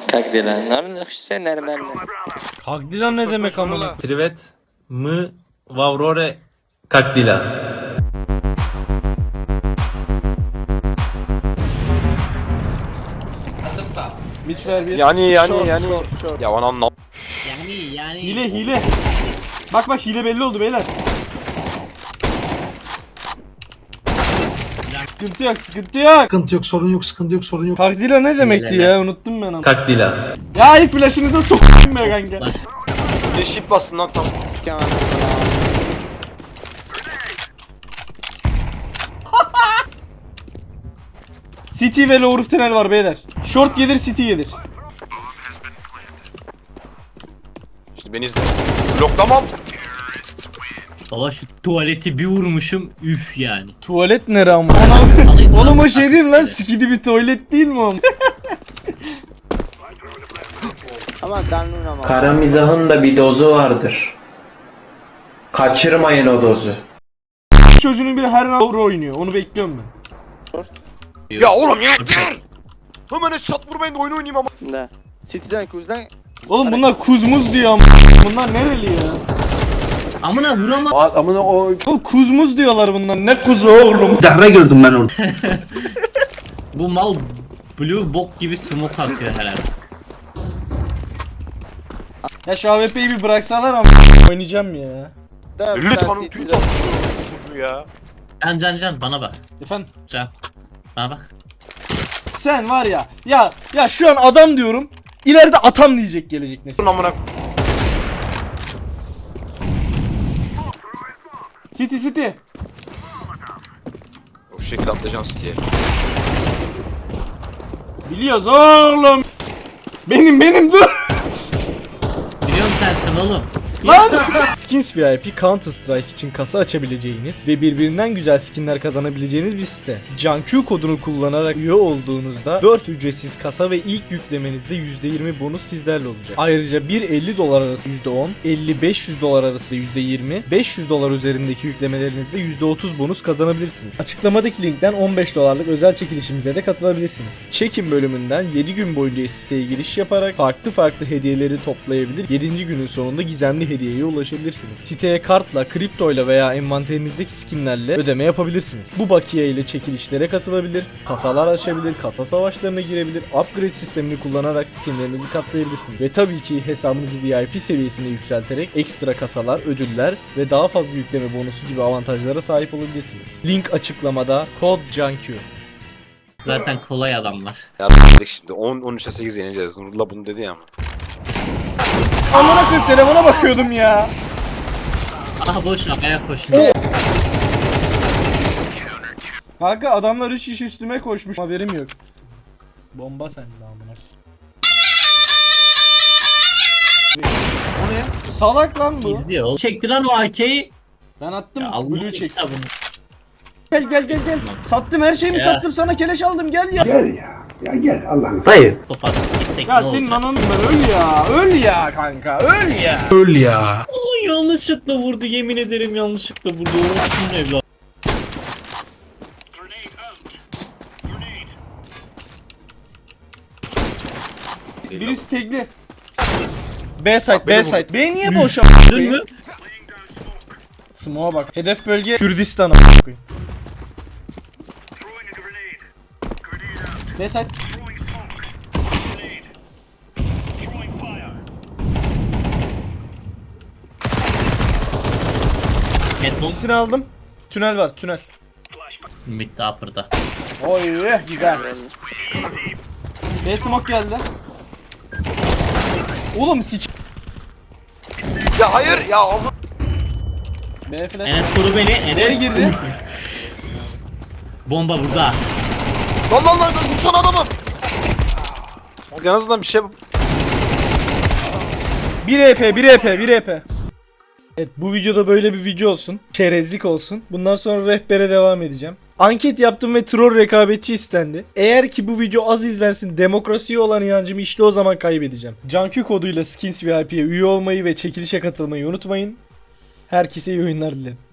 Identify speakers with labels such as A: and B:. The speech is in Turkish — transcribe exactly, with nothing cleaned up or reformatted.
A: Как дела? Норм, все нормально.
B: Как dila ne demek amına?
C: Привет, мы в Авроре. Как дела?
B: Mitch ver bir.
D: Yani yani
B: Short,
D: yani.
B: short, short.
D: Ya anam ne?
E: Yani yani.
B: Hile hile. Bak bak hile belli oldu beyler. Sıkıntı yok sıkıntı yok.
F: Sıkıntı yok, sorun yok, sıkıntı yok, sorun yok.
B: Kakdila ne demekti
E: Hileler.
B: ya, unuttum ben ama.
C: Как дела?
B: Ya iyi flash'ınıza sokayım be kanka.
D: Bir şip bassın lan tam.
B: City ve lower tünel var beyler. Short gelir, City gelir.
D: Şimdi beni izle. Bloklamam.
E: Baba şu tuvaleti bir vurmuşum üf yani.
B: Tuvalet nere ama?
E: Alayım
B: Oğlum
E: lan.
B: o şey değil mi lan? Skidi bir tuvalet değil mi o?
G: Kara mizahın da bir dozu vardır. Kaçırmayın o dozu.
B: Çocuğun biri her round oynuyor. Onu bekliyorum ben.
D: Ya oğlum yeter. Hemen shot vurmayın da oyun oynayayım ama.
H: Да. City'den Kuz'dan
B: Oğlum bunlar kuzmuz diyor ama. Bunlar nereli ya?
E: Amına vuramam.
F: Amına o
B: Oğlum kuzmuz diyorlar bunlar. Ne kuzu oğlum?
F: dahre gördüm ben onu.
E: Bu mal blue bok gibi smoke atıyor herhalde.
B: Ya şu A W P'yi bir bıraksalar ama oynayacağım ya.
H: da bir
D: Lütfen
H: tane
D: tüy
H: City'den.
D: tatlı çocuğu ya.
E: Can can can bana bak.
B: Efendim
E: Can. Bana bak.
B: sen var ya. Ya ya şu an adam diyorum. İleride atam diyecek gelecek nesil.
D: Dur amına.
B: City City.
D: O şekilde atlayacaksın diye.
B: Biliyoruz oğlum. Benim benim dur.
E: Biliyorum sensin oğlum.
B: Lan! Skins V I P Counter Strike için kasa açabileceğiniz ve birbirinden güzel skinler kazanabileceğiniz bir site. CanQ kodunu kullanarak üye olduğunuzda dört ücretsiz kasa ve ilk yüklemenizde yüzde yirmi bonus sizlerle olacak. Ayrıca bir elli dolar arası yüzde on, elli beş yüz dolar arası yüzde yirmi, beş yüz dolar üzerindeki yüklemelerinizde yüzde otuz bonus kazanabilirsiniz. Açıklamadaki linkten on beş dolarlık özel çekilişimize de katılabilirsiniz. Çekim bölümünden yedi gün boyunca siteye giriş yaparak farklı farklı hediyeleri toplayabilir. yedinci günün sonunda gizemli hediyeye ulaşabilirsiniz. Siteye kartla, kriptoyla veya envanterinizdeki skinlerle ödeme yapabilirsiniz. Bu bakiye ile çekilişlere katılabilir, kasalar açabilir, kasa savaşlarına girebilir, upgrade sistemini kullanarak skinlerinizi katlayabilirsiniz. Ve tabii ki hesabınızı V I P seviyesine yükselterek ekstra kasalar, ödüller ve daha fazla yükleme bonusu gibi avantajlara sahip olabilirsiniz. Link açıklamada, kod CanQ.
E: Zaten kolay adamlar.
D: Ya dedik şimdi on on üçe sekiz yeneceğiz. Nurullah bunu dedi ya ama.
B: Amına koyayım telefona bakıyordum ya.
E: Aha boş ver ayak koşun.
B: Kanka adamlar üç kişi üstüme koşmuş. Haberim yok. Bomba sende amına. O ne? Salak lan bu.
E: İzliyor oğlum. Çekti lan o A K'yi.
B: Ben attım.
E: Ya Allah
B: Blue çek.
E: kitabını.
B: Gel gel gel gel. Sattım her şeyimi
E: Ya.
B: sattım sana keleş aldım gel ya.
F: Gel ya, ya gel Allah'ını
E: Topat. Gitsek
B: Ya
E: ne
B: senin
E: olacak?
B: ananı ben öl ya. Öl ya kanka öl ya.
F: öl ya.
E: Ay, yanlışlıkla vurdu yemin ederim yanlışlıkla vurdu. Olsun evlat.
B: Birisi tekli. B site, B
D: benim
B: site. B niye boş
E: Gördün mü?
B: Smoke'a bak. Hedef bölge Kürdistan a**ına koyayım. B site.
E: Headball.
B: İkisini aldım. Tünel var, tünel.
E: Mid upper'da.
B: Oy güzel. B smoke geldi. Oğlum sik.
D: Ya hayır ya ama.
B: B flash.
E: Enes koru beni.
B: Nereye
E: Enes
B: girdi?
E: Bomba burada.
D: Lan lan lan vursana adamı. Bak en azından bir şey.
B: bir E P, bir E P, bir E P. Evet bu videoda böyle bir video olsun. Çerezlik olsun. Bundan sonra rehbere devam edeceğim. Anket yaptım ve troll rekabetçi istendi. Eğer ki bu video az izlensin, demokrasiye olan inancımı işte o zaman kaybedeceğim. CanQ koduyla Skins V I P'ye üye olmayı ve çekilişe katılmayı unutmayın. Herkese iyi oyunlar dilerim.